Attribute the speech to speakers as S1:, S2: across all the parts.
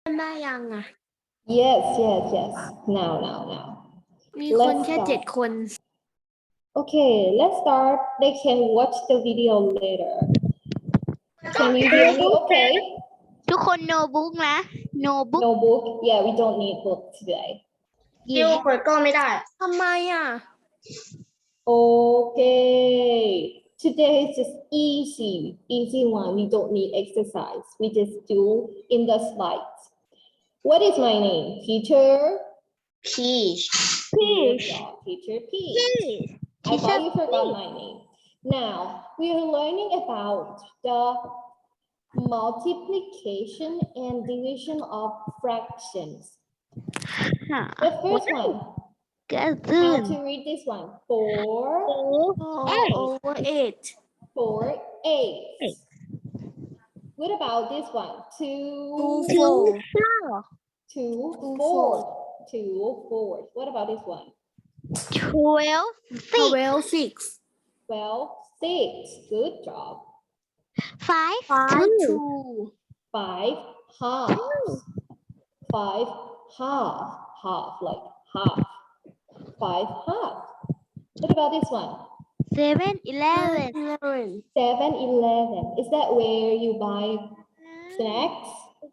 S1: ได้ยังอ่ะ
S2: Yes. Now.
S1: มีคนแค่
S2: Let's
S1: 7
S2: start.
S1: คน
S2: Okay, let's start. They can watch the video later. Can you hear me okay?
S3: ทุกคนโนบุ๊กนะ โนบุ๊ก
S2: No book? Yeah, we don't need book today.
S4: ดิวเปิดกล้องไม่ได้
S1: ทำไมอ่ะ
S2: Okay. Today is just easy one. We don't need exercise. We just do in the slides. What is my name? Teacher?
S4: Peach.
S2: Good job, Teacher P. I thought you forgot my name. Now, we are learning about the multiplication and division of fractions. The first one,
S3: ก็ตื่น
S2: how to read this one? 4
S1: over 8
S2: 8. What about this one? 2 4. What about this one?
S3: 12
S1: 12 6
S2: 12 6. Good job.
S3: 5
S1: 2
S2: 5 halves. 5 half like half. 5 half. What about this one?
S3: 7 11
S1: 11
S2: 7-Eleven. Is that where you buy snacks?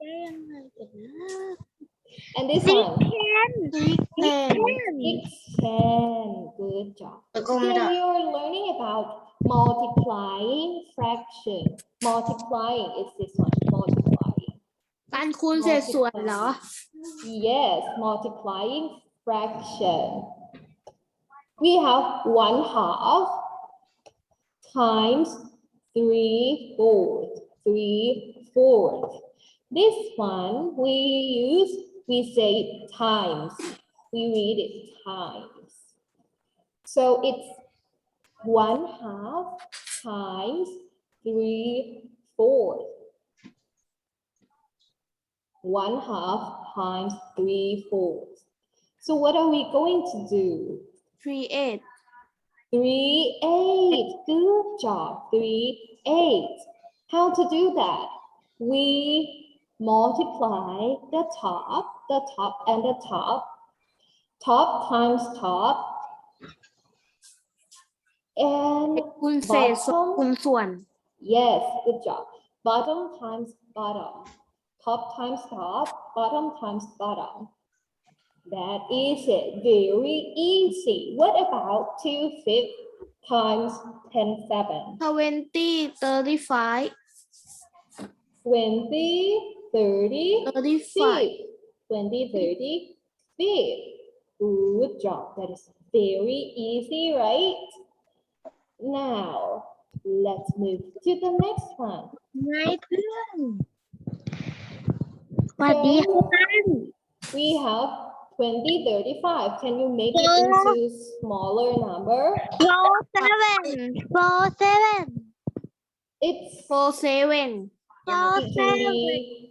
S2: And this one?
S1: 10
S2: 610. Good job.
S4: เปิดกล้อง
S2: So
S4: ไม่ได้
S2: you're learning about multiplying fraction. Multiplying is this one. Multiplying.
S1: การคูณเศษส่วนเหรอ
S2: Yes, multiplying fraction. We have 1/2 times 3/4. 3/4. This one we say times. We read it times. So it's 1/2 times 3/4. 1/2 times 3/4. So what are we going to do?
S1: 3
S2: 3 8. Good job. 3 8. How to do that? We multiply the top and the top. Top times top. And
S1: คูณเศษส่วนคูณ
S2: bottom.
S1: ส่วน
S2: Yes, good job. Bottom times bottom. Top times top. Bottom times bottom. That is it. Very easy. What about 2/5 times 10 7?
S1: 20 35
S2: 20 30
S1: 35
S2: 20 30 5. Good job. That is very easy, right? Now, let's move to the next one.
S3: ไงเพื่อนสวัสดีค่ะ
S2: We have 20 35. Can you make it into smaller number?
S3: 4 7
S2: It's
S1: 4 7
S2: it can be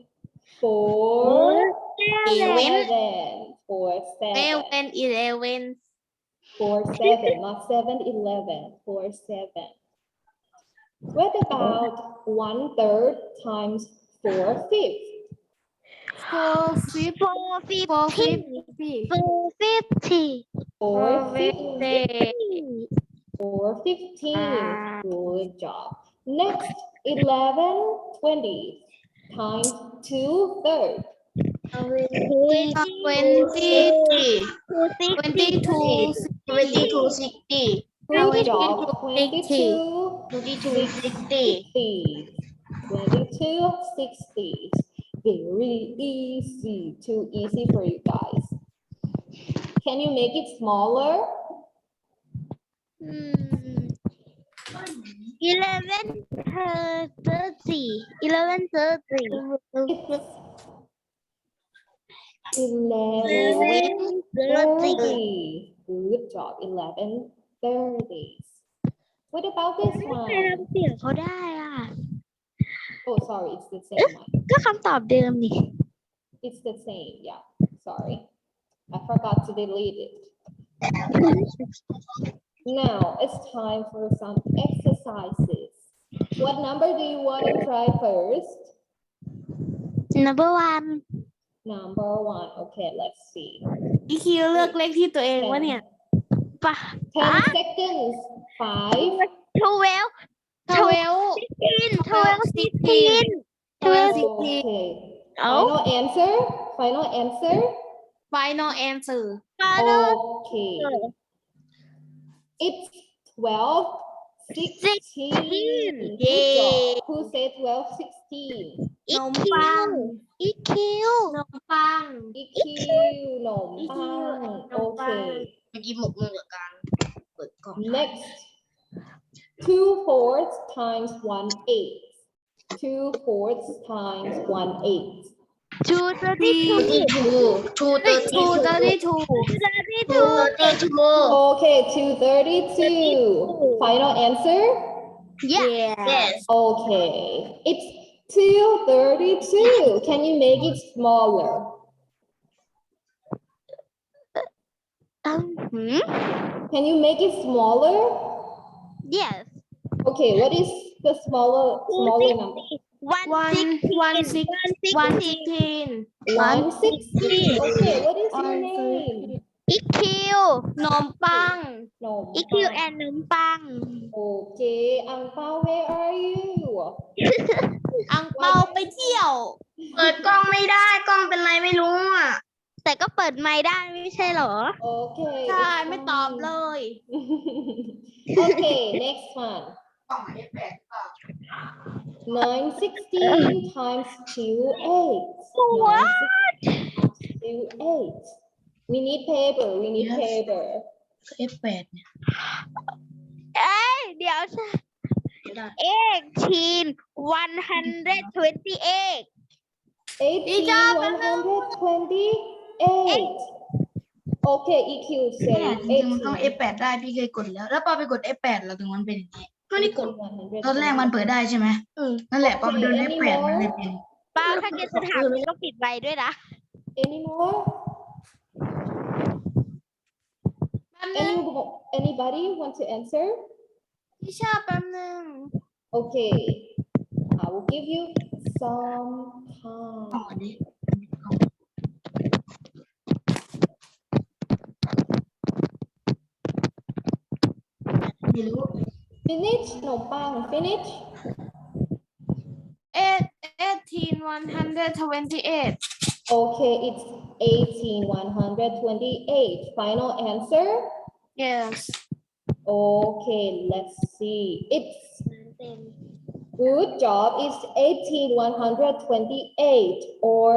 S2: 4 7. 4 7.
S1: 11
S2: 4 7, not 7-Eleven. 4 7. What about 1/3 times 4/5?
S1: 4 50 4 50
S2: 4/15. Good job. Next, 11 20 times 2/3.
S1: 22
S4: 22
S2: Good job. 22
S4: 60
S2: 22 60. Very easy. Too easy for you guys. Can you make it smaller?
S3: 11 30 11 30
S2: 11 30. Good job. 11 30s. What about this
S3: ทำ
S2: one?
S3: เสียงเขาได้อ่ะ
S2: Oh, sorry. It's the same one.
S3: ก็คำตอบเดิมนี่
S2: It's the same. Yeah. Sorry. I forgot to delete it. Now it's time for some exercises. What number do you want to try first?
S3: number 1
S2: number one. Okay, let's see.
S1: อีคิวเลือกเลขที่ตัวเองวะเนี่ย
S3: ปะ
S2: 10 seconds. 5,
S3: 12
S1: 12
S3: 16
S2: Okay. Final answer. Final answer.
S1: final answer
S2: Okay. It's 12, 16. Good job. Who said 12, 16?
S3: อี
S1: นม
S3: คิ
S1: ปัง
S3: วอีคิวน
S1: มปัง
S2: EQ, no,
S1: EQ, no,
S2: okay.
S4: เมื่อกี้หมกมือกับการเปิดกล่อง
S2: Next, 2 fourths times 1 eighth. 2 fourths times 1 eighth.
S3: 232
S4: ทูเตอร์ตี้
S1: 232
S2: Okay, 232. Final answer?
S4: yes
S2: Okay, it's 232. Can you make it smaller? Can you make it smaller?
S3: yes
S2: Okay, what is the smaller number?
S1: 116
S2: 116. Okay, what is your
S1: 116
S2: name?
S3: อีคิวน
S1: มปัง
S2: No.
S3: อีคิวแอนนมปัง
S2: Okay, Ang Pao, where are you?
S1: อังเปาไปเที่ยว
S4: เปิดกล้องไม่ได้กล้องเป็นไรไม่รู้อ่ะ
S3: แต่ก็เปิดไมค์ได้ไม่ใช่เหรอ
S2: Okay.
S1: ใช่
S2: it's
S1: ไม่ตอบเลย
S2: fine. Okay, next one.
S4: กล้องหมายเลขแปดหรือเปล่า
S2: 916 times 2 eighths.
S3: What?
S2: 2 eighths. We need paper. We need
S4: Yes.
S2: paper.
S4: F8 เนี่ย
S3: เอ้ยเดี๋ยว
S4: ไม่ได้
S3: 18 128
S2: 18, 128. Okay, EQ
S4: เนี่ย
S2: say
S4: จริงๆมันต้อง F8 ได้พี่เคยกดแล้ว แล้วปอไปกด F8 แล้วถึงมันเป็นอย่างนี้ก็นี่กด
S2: 18.
S4: ตอนแรกมันเปิดได้ใช่ไหมนั่นแหละปอไปโดน F8 มันเลยเป็น
S3: ป้าถ้าแกจะถามก็ปิดไว้ด้วยนะ
S2: Any more? Anybody want to answer?
S1: พี่ชอบแป๊บนึง
S2: Okay, I will give you some
S4: กล้อง
S2: time.
S4: อันนี้ไม่รู้
S2: Finish? No, bang. Finish?
S1: 18 128
S2: Okay, it's 18, 128. Final answer?
S1: yes
S2: Okay, let's see. It's good job. It's 18, 128 or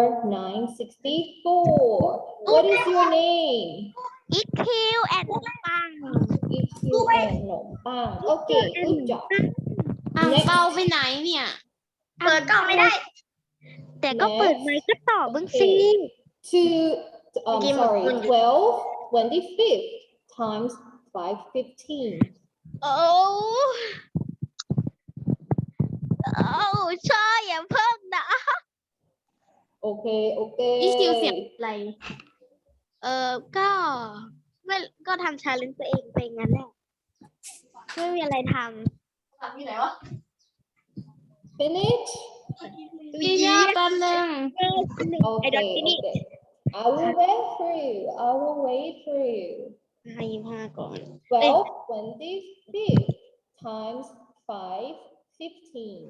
S2: 964. What is your name?
S3: อีคิวแอนนมปัง
S2: It's you and no bang. Okay, good job.
S1: อังเปาไปไหนเนี่ย
S4: เปิดกล้องไม่ได้
S3: แต่ก็เปิดไมค์ก็ตอบบ้างสิ
S2: Sorry, 12, 25th times 515.
S3: โอ้ช่ออย่าเพิ่งนะ
S2: Okay,
S1: อีคิวเสียง
S2: okay.
S1: อะไร
S3: ก็ไม่ก็ทำชาเลนจ์ตัวเองไปงั้นแหละไม่มีอะไรท
S4: ที่ไหนวะ
S2: Finish?
S1: พี่ชอบแป๊บนึง
S3: ำไอ้ดอท
S2: Okay,
S3: ที่นี่
S2: okay. I will wait for you. I will wait for you.
S3: 25ก่อน
S2: 12, 25th times 515.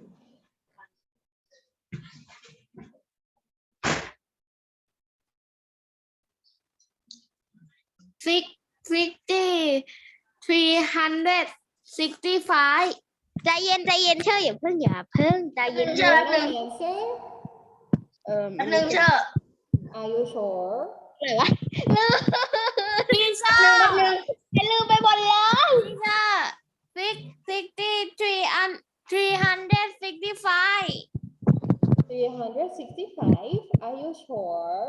S1: 365
S3: ใจเย็นเชื่ออย่าเพิ่งใจเย็น
S4: เชื่อ
S2: Final answer?
S4: แป๊บนึงเชื่อ
S2: Are you sure?
S3: อะไรวะ
S1: พี่ชอบ
S3: ลืมไปหมดเลย
S1: พี่ชอบ365
S2: 365? Are you sure?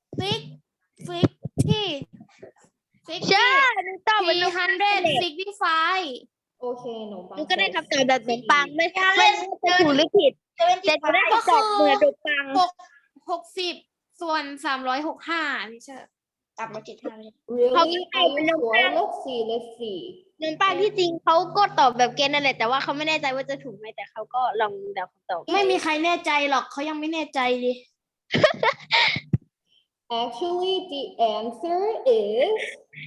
S3: เชื่อหนูตอบเหมือนหนู
S1: 365
S2: Okay, no
S3: หนู
S2: bang.
S3: ก็ได้คำตอบแบบขนมปังไม่ว่าจะถูกหรือผิดแต่หนูได้คำตอบเหมือนขนมปัง
S1: 60 ส่วน 365พี่เชอร์
S4: ตัดมาจิตห้าเลย
S2: Really? Are you sure? Let's see.
S3: ขนมปังที่จริงเขาก็ตอบแบบเกณฑ์นั่นแหละแต่ว่าเขาไม่แน่ใจว่าจะถูกไหมแต่เขาก็ลองเดาคำตอบ
S1: ไม่มีใครแน่ใจหรอกเขายังไม่แน่ใจดิ
S2: Actually, the answer is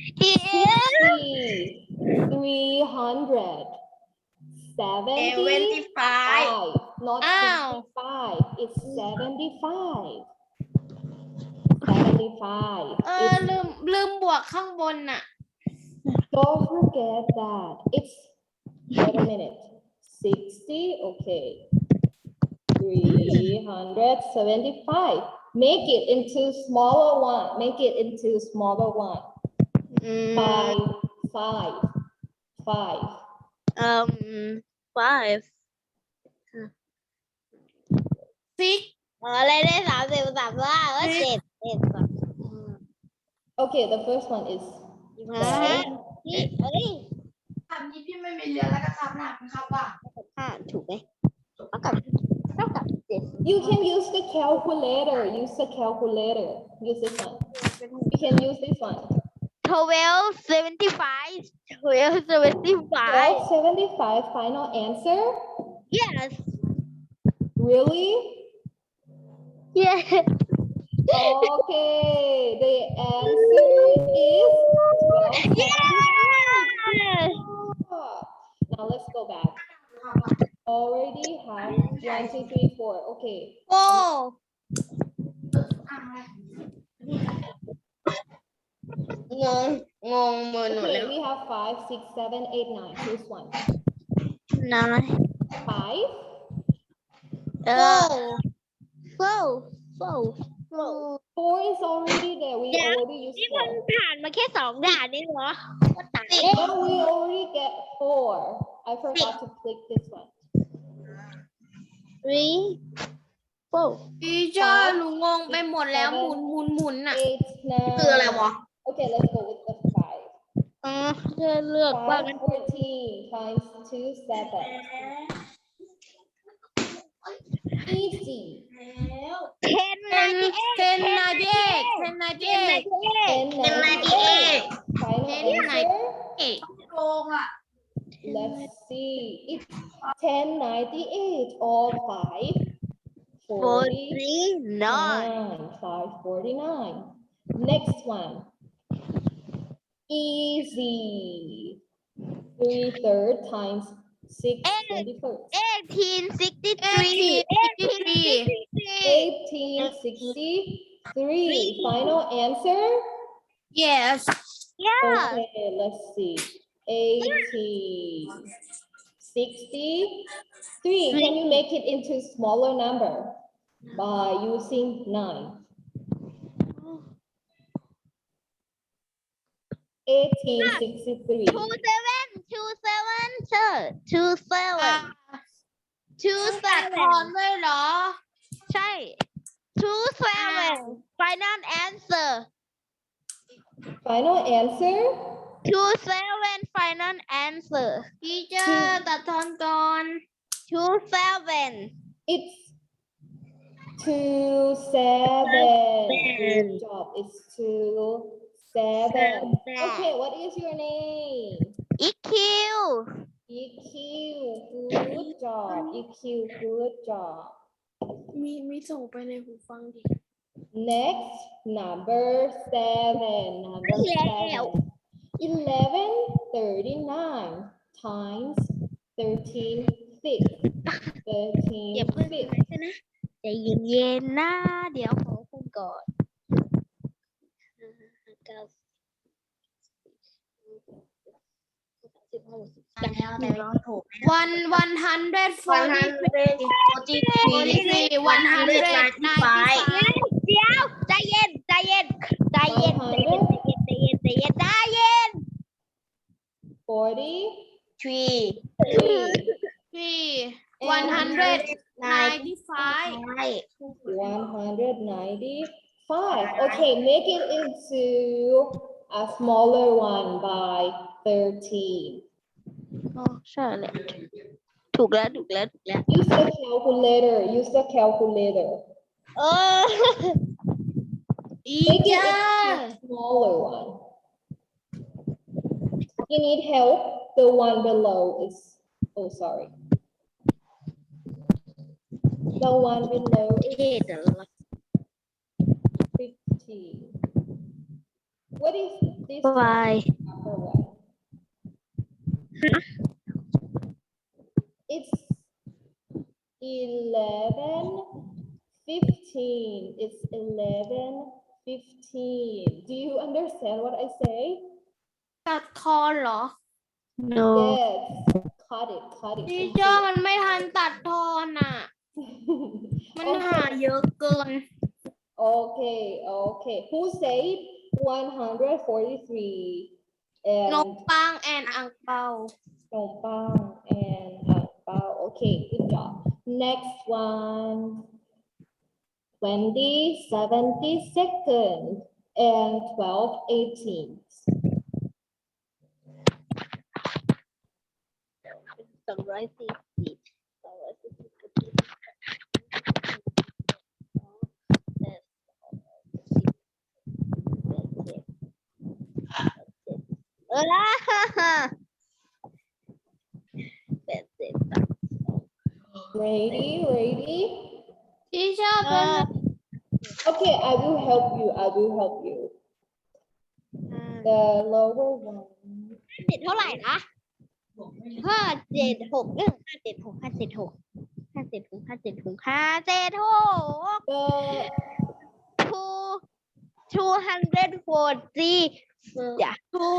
S2: 300. 75, not 65. It's 75. 75.
S1: ลืมบวกข้างบนน่ะ
S2: Don't forget that. It's, wait a minute. 60, okay. 375. Make it into smaller one. Make it into smaller one. 5, 5, 5.
S3: 5
S1: 6
S3: อะไรได้30 ว่าก็7
S2: Okay, the first one is
S3: นี่เอ้ย
S4: คำนี้พี่ไม่มีเรือแล้วก็คำหนักนะครับว่า
S3: 5ถูกไหมเท่ากับ7
S2: you can use the calculator. Use the calculator. Use this one. You can use this one.
S3: 1275
S2: 1275 final answer?
S3: yes
S2: Really?
S3: yes
S2: Okay, the answer is 1275.
S3: yes
S2: Now let's go back. Already have 1, 2, 3, 4. Okay.
S1: โอ้ งงมือหนู
S2: Okay,
S1: แล้ว
S2: we have 5, 6, 7, 8, 9. Choose one.
S3: 9
S2: 5. 4 is already there. We already used
S3: นี่มัน
S2: 4.
S3: ผ่านมาแค่2 ด่านนี่เหรอก็ตาย
S2: No, we already get 4. I forgot to click this one.
S3: 3 4
S1: ทีเจอร์หนูงงไปหมดแล้วหมุนน่ะ
S2: 8, 9.
S4: คืออะไรวะ
S2: Okay, let's go with the 5.
S3: เลือกว่ามัน
S2: 5, 14 times 2, 7. Easy.
S3: 10
S1: 1098
S2: Final answer?
S4: โกงอ่ะ
S2: Let's see. It's 1098 or 5.
S3: 49
S2: 549. Next one. Easy. 3/3 times 6 21st.
S3: 1863
S2: 1863. Final answer?
S1: yes
S3: yeah
S2: Okay, let's see. 1863. Can you make it into smaller number by using 9? 1863.
S3: 27 sir
S1: แต่ถอนด้วยเหรอ
S3: ใช่ 27 final answer
S2: Final answer?
S3: 27 final answer
S1: ทีเจอร์ตัดทอนก่อน
S3: 27
S2: It's 27. Good job. It's 27. Okay, what is your name?
S3: EQ
S2: EQ. Good job. EQ. Good job.
S1: มีส่งไปในหูฟังดิ
S2: Next, number 7. Number 7. 1139 times 13 fifths.
S3: อย่า
S2: 13
S3: เพิ่ง
S2: fifths.
S3: ใช่ไหมใจเย็นๆนะเดี๋ยวขอคุณก่อน
S4: แต่เราถูก
S1: 143
S3: เดี๋ยวใจเย็นใจเย็นใจเย็นใจเย็นใจเย็นใจเย็นใจเย็นใจเย็น
S2: 43.
S1: 195
S2: 195. Okay, make it into a smaller one by 13.
S3: อ๋อใช่เลยถูกแล้ว
S2: Use the calculator. Use the calculator.
S3: เออ
S2: Make it into a smaller one. If you need help, the one below is, oh, sorry. The one below is
S3: เท่แต่ละ
S2: 15. What is this
S3: Why?
S2: number one? It's 11:15. It's 11:15. Do you understand what I say?
S1: ตัดทอนเหรอ
S3: No.
S2: Yes. Cut it.
S1: ทีเชอร์มันไม่ทันตัดทอนอ่ะ มันหาเยอะเกิน
S2: Okay. Who said 143?
S1: น
S2: And
S1: กปังแอนอังเปา
S2: Nong Pang and Ang Pao. Okay, good job. Next one. 20/72 and 12/18.
S3: 240.
S2: Ready?
S1: ทีเชอร์เป็น
S2: Okay, I will help you. The lower one.
S3: ติดเท่าไหร่นะ576 240 yeah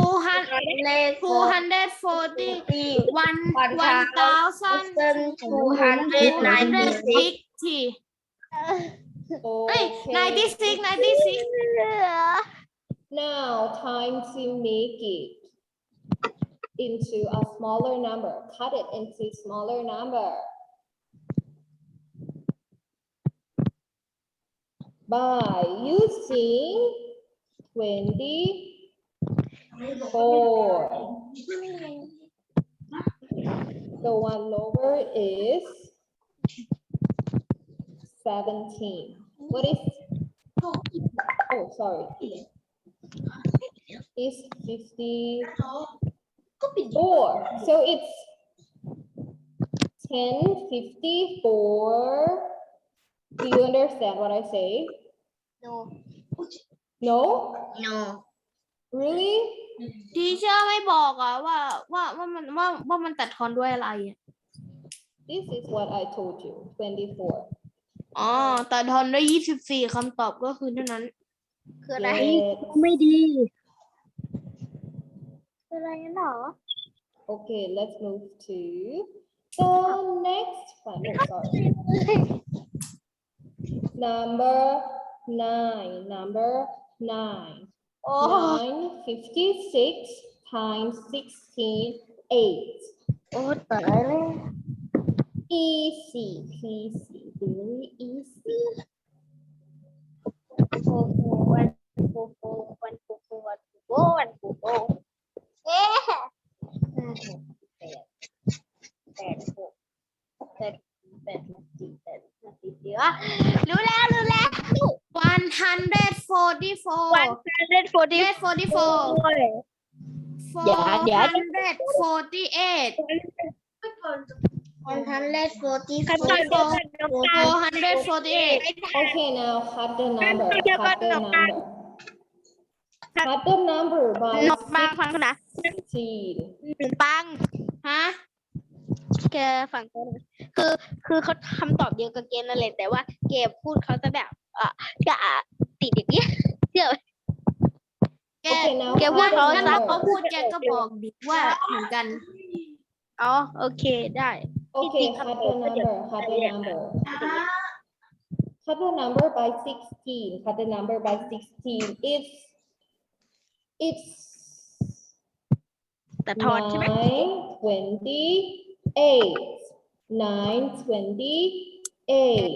S1: 260
S2: Okay.
S1: 96
S2: Now, time to make it into a smaller number. Cut it into smaller number. By using 24. The one lower is 17. What is? Oh, sorry. Is 54. So it's 10:54. Do you understand what I say?
S3: no
S2: No?
S3: no
S2: Really?
S1: ทีเชอร์ไม่บอกอะว่ามันตัดทอนด้วยอะไรอะ
S2: This is what I told you. 24.
S1: อ๋อตัดทอนด้วย24คำตอบก็คือเท่านั้น
S3: คืออะไร
S2: Yes.
S3: ไม่ดีคืออะไรหรอ
S2: Okay, let's move to the next one. Oh, sorry. Number 9.
S3: โอ้
S2: 9:56 times 16, 8.
S3: โอ้ตายแล้ว
S2: Easy peasy, very easy.
S3: วันเอ๊ะรู้แล้ว
S1: 144 448
S2: Okay, now cut the number. Cut the number. Cut the number by
S3: นกปังฟังนะ
S2: 16.
S3: หนูปัง
S1: ฮะ
S3: แกฟังเขาหน่อยคือเขาคำตอบเดียวกับเกมนั่นแหละแต่ว่าเกมพูดเขาจะแบบก็ติดอย่างเงี้ยเชื่อ
S1: แก
S2: Okay, now
S3: แก
S2: cut
S3: ว่า
S2: the
S3: เขา
S1: ถ้าเขา
S2: number.
S1: พูดแกก็บอกดิว่าเหมือนกัน
S3: อ๋อโอเคได้
S2: Okay, cut the number. Cut the number. Cut the number by 16. Cut the number by 16. It's
S3: แต่ทอนใช่ไหม
S2: 9:28.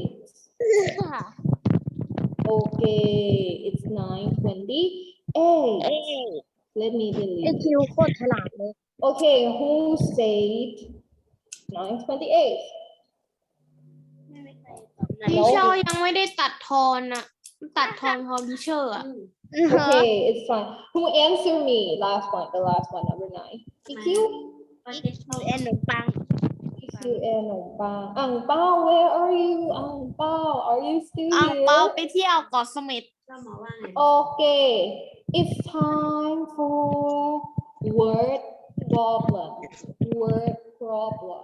S2: Okay, it's 9:28. Let me
S3: ไอ
S2: delete.
S3: คิวโคตรฉลาดเลย
S2: Okay, who said 9:28?
S1: ทีเชอร์ยังไม่ได้ตัดทอนอะตัดทอนพอทีเชอร์อะ
S2: Okay, it's fine. Who answered me? The last one, number 9. EQ?
S3: แอนหนูปัง
S2: EQ and Ang Pao. Ang Pao, where are you? Ang Pao, are you still
S1: อ่าง
S2: here?
S1: เปาไปเที่ยวเกาะเสม็ด
S2: Oh, Okay, it's time for word problem. Word problem.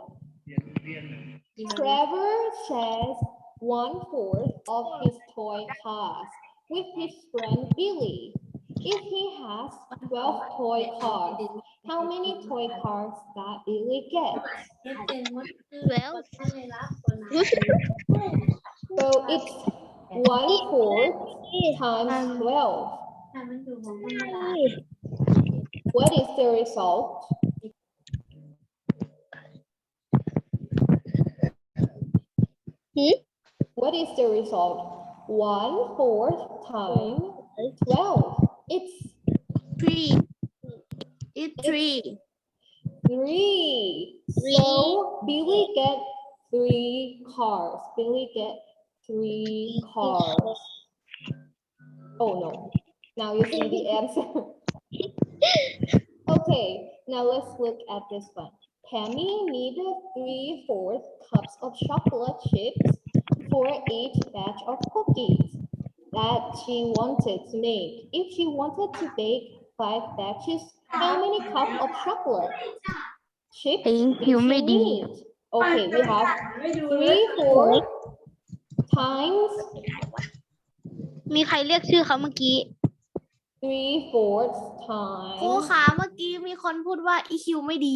S2: Trevor shares 1/4 of his toy cars with his friend Billy. If he has 12 toy cars, how many toy cars does Billy get?
S3: 12
S2: So it's 1/4 times 12. What is the result? What is the result? 1/4 times 12. It's
S1: 3 it's 3
S2: 3. So Billy get 3 cars. Billy get 3 cars. Oh no. Now you see the answer. Okay, now let's look at this one. Tammy needed 3/4 cups of chocolate chips for each batch of cookies that she wanted to make. If she wanted to bake 5 batches, how many cups of chocolate chips did she need? Okay, we have 3/4 times
S3: มีใครเรียกชื่อเขาเมื่อกี้
S2: 3/4
S1: ครู
S2: times
S1: ขาเมื่อกี้มีคนพูดว่า EQ ไม่ดี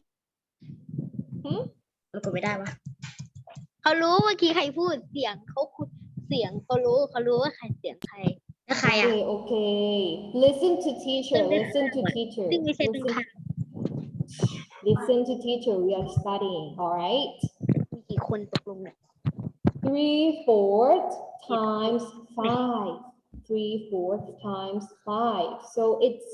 S4: เรากดไม่ได้ปะ
S3: เขารู้เมื่อกี้ใครพูดเสียงเขาคุยเสียงเขารู้ว่าใครเสียงใคร
S4: แล้วใครอ่ะ
S2: Okay, okay. Listen to teacher. Listen to teacher.
S3: ซึ่งไม่ใช่ตรง
S2: Listen,
S3: ข้าม
S2: listen to teacher. We are studying. All right.
S3: มีกี่คนตกลงเนี่ย
S2: 3/4 times 5. 3/4 times 5. So it's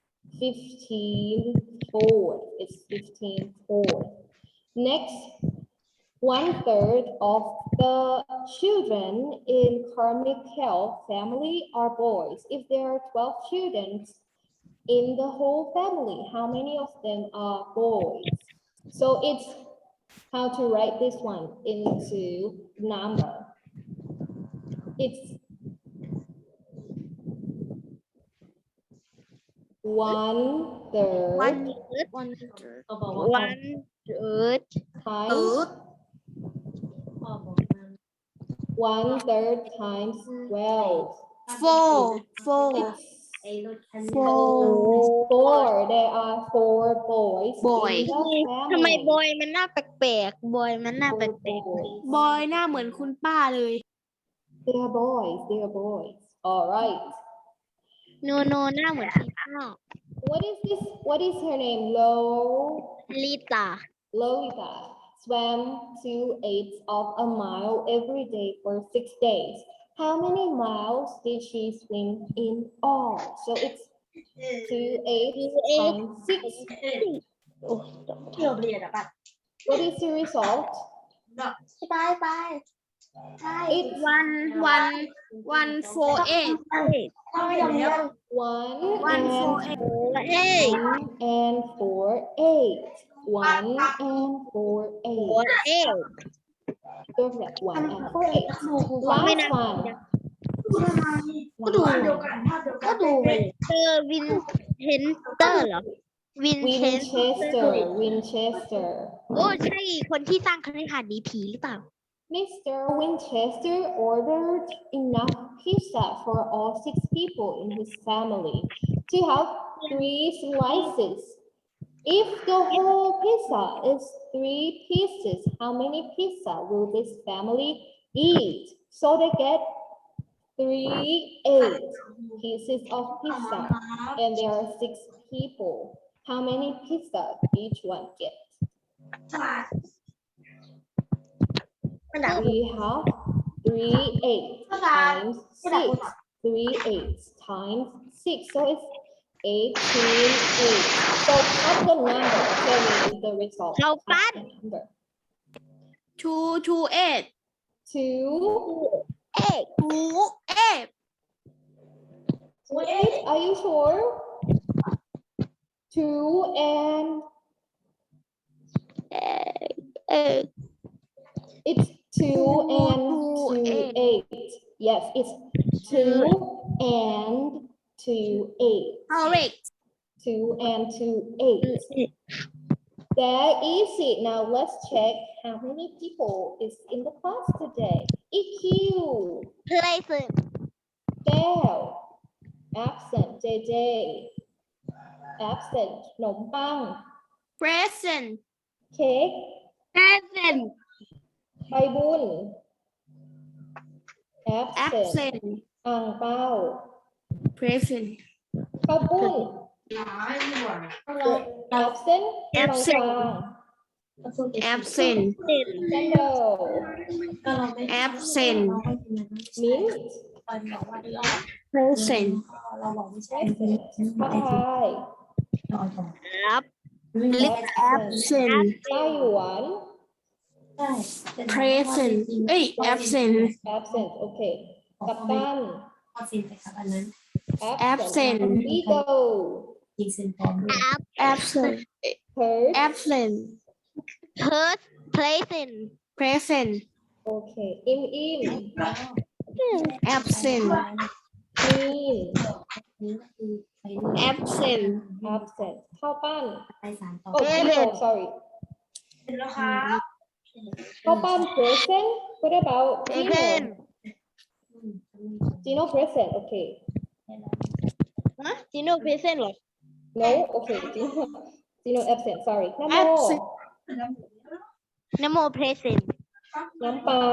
S2: 15/4. It's 15/4. Next, 1/3 of the children in Carmichael family are boys. If there are 12 children in the whole family, how many of them are boys? So it's how to write this one into number. It's 1/3
S3: วันเกิด
S2: times 1/3 times 12.
S1: 4
S2: It's 4. There are 4 boys
S1: Boys.
S2: in the
S3: ทำไม
S2: family.
S3: บอยมันหน้าแปลกๆบอยมันหน้าแปล
S2: 4
S3: ก
S2: boys.
S1: บอยหน้าเหมือนคุณป้าเลย
S2: They are boys. They are boys. All right.
S3: ๆโนหน้าเหมือนพี่ป้า
S2: What is this? What is her name?
S3: ลิตา
S2: Lolita swam 2/8 of a mile every day for 6 days. How many miles did she swim in all? So it's 2/8 times 6.
S3: โอ้
S4: ที่เราเรียนอะป่ะ
S2: What is the result?
S4: ไป
S2: It's
S1: 148
S2: 1
S1: 1
S2: and 4 8. 1 and 4 8. Perfect. 1 and 4 8. Last one.
S4: ก็ดูก็ดูไป
S3: เตอร์วินเทนเตอร์เหรอวินเทน
S2: Winchester.
S3: โอ้ใช่คนที่สร้างคฤหาสน์หนีผีหรือเปล่า
S2: Mr. Winchester ordered enough pizza for all 6 people in his family to have 3 slices. If the whole pizza is 3 pieces, how many pizza will this family eat? So they get 8 pieces of pizza, and there are 6 people. How many pizza each one get?
S4: มันด่า
S2: We have 3 8 times 6. 3 8 times 6. So it's 18 8. So cut the number. Tell me the result.
S3: How
S2: Cut
S3: bad?
S2: the number.
S1: 228
S2: 2
S1: 28
S2: 8. Are you sure? 2 and it's 2 and 2 8. Yes, it's 2 and to 8.
S1: correct
S2: 2 and 2, 8. There is it. Now let's check how many people is in the class today. EQ,
S3: present
S2: Bell, absent. JJ, absent. ขนมปัง
S1: present
S2: Cake,
S3: present
S2: ใบบุญ absent.
S1: absent
S2: อ่างเปา
S1: present
S2: ข้าวปุ้น absent กลาง
S1: absent absent
S2: candle
S1: absent
S2: mint
S1: present
S2: ผัดไทย
S1: lip absent
S2: ไต้หวัน
S1: present เอ้ย absent
S2: absent โอเค กัปตัน
S1: Absent
S2: eagle
S1: absent
S2: bird
S1: absent
S3: present
S1: present
S2: โอเค im
S1: absent
S2: mean
S1: absent
S2: absent ข้าวปั้น oh
S3: Present
S2: Gino sorry ข้าวปั้น present what about
S3: present
S2: Gino present okay
S3: Gino present เหรอ
S2: no okay Gino absent sorry น้ำโม
S1: Absent
S3: นโม present
S2: น้ำเปล่า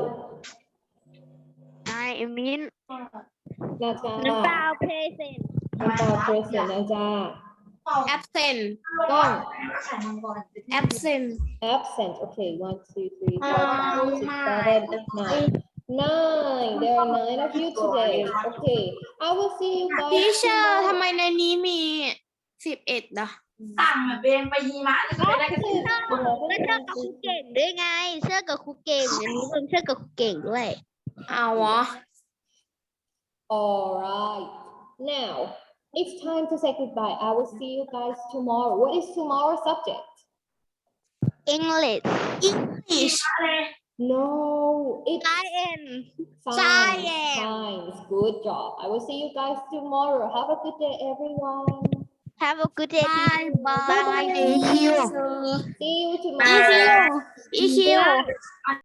S3: I mean
S2: นาจา
S3: น้ำเปล่า present
S2: น้ำเปล่า present นาจา
S1: absent
S2: กล้อง
S1: absent
S2: absent okay 1 2 3 4 5 6 7 9 there are 9 of you today okay I will see you guys
S1: teacher
S2: tomorrow.
S1: ทำไมในนี้มี11อ่ะ
S4: สั่งแบบเป็นไปยีมะจะไปได้กันสิ
S3: แล้วเชื่อกับครูเก่งด้วยไง เชื่อกับครูเก่งอันนี้เป็นเชื่อกับครูเก่งด้วย
S1: เอาเหรอ
S2: all right now it's time to say goodbye I will see you guys tomorrow what is tomorrow's subject
S3: English
S1: English
S2: no it's
S3: science
S2: science science good job I will see you guys tomorrow have a good day everyone
S3: Have a good day
S1: bye bye
S3: Bye.
S1: thank you
S2: see you tomorrow
S1: EQ